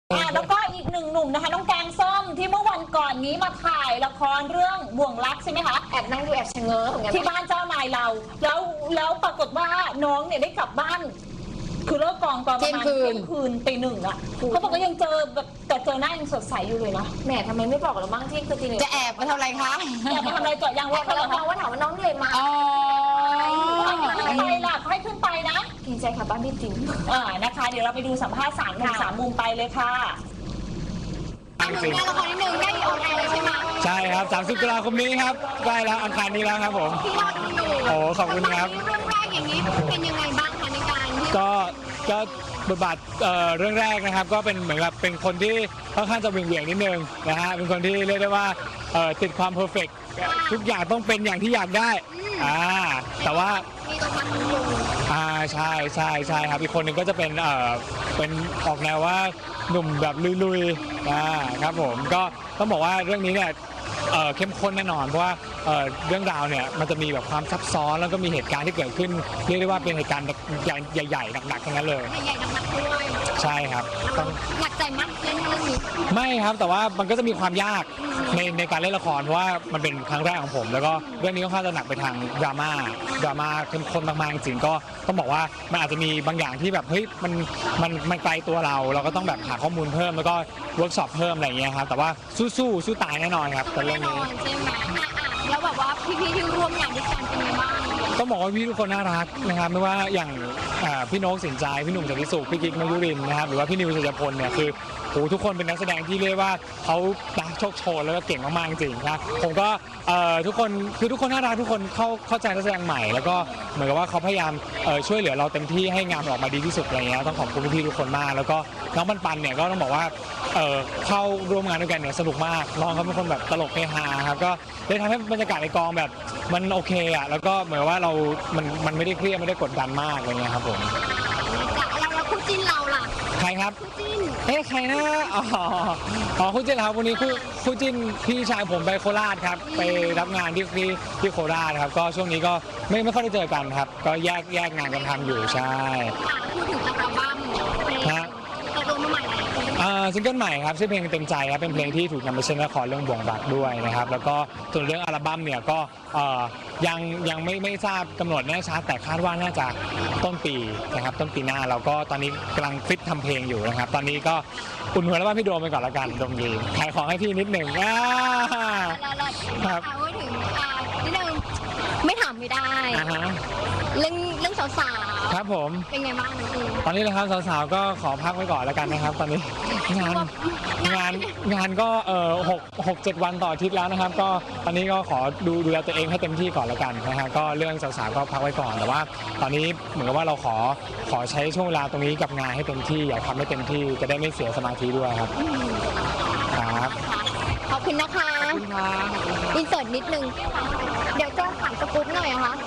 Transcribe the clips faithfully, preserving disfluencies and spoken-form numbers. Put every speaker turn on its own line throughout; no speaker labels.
อ่าแล้วก็อีกหนึ่งหนุ่มนะคะน้องแกงส้มที่เมื่อวันก่อนนี้มาถ่ายละครเรื่องบ่วงรักใช่ไหมคะ
แอบนั่งดูแอบชะเง้อเหมือนกัน
ที่บ้านเจ้านายเราแล้วแล้วปรากฏว่าน้องเนี่ยได้กลับบ้านคือเลิกกองตอนประมาณเที่ยงคืนตีหนึ่งอ่ะเขาบอกว่ายังเจอแบบแต่เจอหน้ายังสดใสอยู่เลยนะ
แหมทำไมไม่บอกเราบ้างที่คือตีหนึ่ง
จะแอบมาทำอะไรคะ
แอบมาทำอะไรเจาะยางว่า
แอบมาเราว่าถามว่าน้องเหนื่อยไหม
อ๋อ
ไปล่ะให้ขึ้นไปนะ
เกรงใจค่ะบ้านพี่ติ๋ม
อ่านะคะเดี๋ยวเราไปดูสัมภาษณ์สามมุมสามมุมไปเลยค่ะ
งานละครนิดนึงได้ออนแอร์เลยใช่ไหม
ใช่ครับสามสิบตุลาคมนี้ครับใกล้แล้วอังคารนี้แล้วครับผม
พี่รอดูอยู่
โอ้ขอบคุณครับ
เรื่องแรกอย่างนี้เป็นยังไงบ้างคะในการที่
ก็ก็บทบาทเอ่อเรื่องแรกนะครับก็เป็นเหมือนกับเป็นคนที่ค่อนข้างจะเหวี่ยงๆนิดนึงนะฮะเป็นคนที่เรียกได้ว่าเอ่อติดความเพอร์เฟกต์ทุกอย่างต้องเป็นอย่างที่อยากได้อ่าแต่ว่า
มีตัวพันธุ์ลุง
อ่าใช่ใช่ใช่ครับอีกคนหนึ่งก็จะเป็นเอ่อเป็นออกแนวว่าหนุ่มแบบลุยๆอ่าครับผมก็ต้องบอกว่าเรื่องนี้เนี่ยเอ่อเข้มข้นแน่นอนเพราะว่าเอ่อเรื่องราวเนี่ยมันจะมีแบบความซับซ้อนแล้วก็มีเหตุการณ์ที่เกิดขึ้นเรียกได้ว่าเป็นเหตุการณ์ใหญ่ๆหนักๆทั้งนั้นเลย
ใหญ่ๆหนักๆด้วย
ใช่ครับ
ต้องหนักใจมากเล่นเรื่องนี้
ไม่ครับแต่ว่ามันก็จะมีความยากในในการเล่นละครเพราะว่ามันเป็นครั้งแรกของผมแล้วก็เรื่องนี้ค่อนข้างจะหนักไปทางดราม่าดราม่าเข้มข้นมากๆจริงๆก็ต้องบอกว่ามันอาจจะมีบางอย่างที่แบบเฮ้ยมันมันมันไกลตัวเราเราก็ต้องแบบหาข้อมูลเพิ่มแล้วก็เวิร์กช็อปเพิ่มอะไรอย่างเงี้ยครับแต่ว่าสู้สู้สู้ตายแน่นอนครับ
แน่นอนใช่ไหมแล้วแบบว่าพี่ๆที่ร่วมงานด้วยกันเป็นยังไงบ้าง
ต้องบอกว่าพี่ทุกคนน่ารักนะครับไม่ว่าอย่างพี่โน้ตสินใจพี่หนุ่มสันติสุขพี่กิ๊กมายุรินนะครับหรือว่าพี่นิวชัยพลเนี่ยคือโอ้ทุกคนเป็นนักแสดงที่เรียกว่าเขาโชคโชนแล้วก็เก่งมากๆจริงๆครับผมก็ทุกคนคือทุกคนน่ารักทุกคนเข้าเข้าใจนักแสดงใหม่แล้วก็เหมือนกับว่าเขาพยายามช่วยเหลือเราเต็มที่ให้งานออกมาดีที่สุดอะไรเงี้ยต้องขอบคุณพี่ๆทุกคนมากแล้วก็น้องปันปันเนี่ยก็ต้องบอกว่าเข้าร่วมงานด้วยกันเนี่ยสนุกมากน้องเขาเป็นคนแบบตลกเฮฮาครับก็ได้ทำให้บรรยากาศในกองแบบมันโอเคอ่ะแล้วก็เหมือนว่าเรา มันมันไม่ได้เครียดไม่ได้กดดันมากอะไรเงี้ยครับผม
เราเราคู่จิ้นเราล่ะ
ใครครับ
คู่จิ้น
เอ๊ะใครนะอ๋ออ๋อคู่จิ้นครับวันนี้คู่คู่จิ้นพี่ชายผมไปโคราชครับไปรับงานที่ที่ที่โคราชครับก็ช่วงนี้ก็ไม่ไม่ค่อยได้เจอกันครับก็แยกแยกงานกันทำอยู่ใช่
พูดถึงอัลบั้มฮะเปิดตัวมาใหม่
อ่าซิงเกิลใหม่ครับชื่อเพลงเต็มใจครับเป็นเพลงที่ถูกนำไปเล่นละครเรื่องบ่วงรักด้วยนะครับแล้วก็ส่วนเรื่องอัลบั้มเนี่ยก็ยังยังไม่ไม่ทราบกำหนดแน่ชัดแต่คาดว่าน่าจะต้นปีนะครับต้นปีหน้าเราก็ตอนนี้กำลังฟิตทำเพลงอยู่นะครับตอนนี้ก็อุ่นหัวแล้วว่าพี่โดมไปก่อนละกันโดมยีขายของให้พี่นิดหนึ่ง
ครับพูดถึงนิดนึงไม่ถามไม่ได้เรื่องเรื่องสาวๆ
ครับผม
เป็นไงบ้าง
ตอนนี้นะครับสาวๆก็ขอพักไว้ก่อนแล้วกันนะครับตอนนี้งานงานงานก็เอ่อหกหกเจ็ดวันต่ออาทิตย์แล้วนะครับก็ตอนนี้ก็ขอดูดูแลตัวเองให้เต็มที่ก่อนแล้วกันนะฮะก็เรื่องสาวๆก็พักไว้ก่อนแต่ว่าตอนนี้เหมือนกับว่าเราขอขอใช้ช่วงเวลาตรงนี้กับงานให้เต็มที่อยากทำให้เต็มที่จะได้ไม่เสียสมาธิด้วยครับ
ครับขอบคุณนะคะอินเสิร์ตนิดนึงเดี๋ยวจะถามสกู๊ปหน่อยนะคะ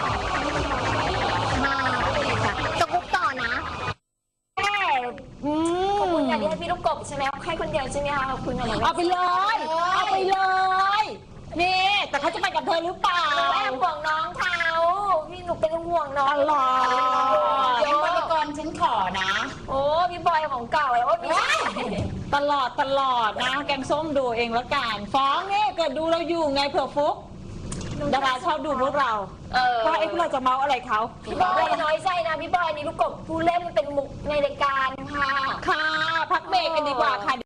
มาสกู๊ปต่อนะ
ขอบคุณค่ะที่ให้พี่ลูกกบใช่ไหมให้คนเดียวใช่ไหมคะขอบคุณค่ะ
เอาไปเลยเอาไปเลยนี่แต่เขาจะไปกับเธอหรือเปล่า
แอบห่วงน้องเขาพี่หนูเป็นห่วงน้อง
ตลอดยังบริกรฉันขอนะ
โอ้พี่บอยของเก่าแล้วว่าพี่
ตลอดตลอดนะแกงส้มดูเองแล้วกันฟ้องเนี่ยเกิดดูเราอยู่ไงเผื่อฟุกดาราชอบดูพวกเราเพราะไอ้พวกเราจะเมาอะไรเขา
พี่บอยน้อยใจนะพี่บอยนี่ลูกกบผู้เล่นมันเป็นมุกในรายการค่ะ
ค่ะพักเบรกกันดีกว่าค่ะ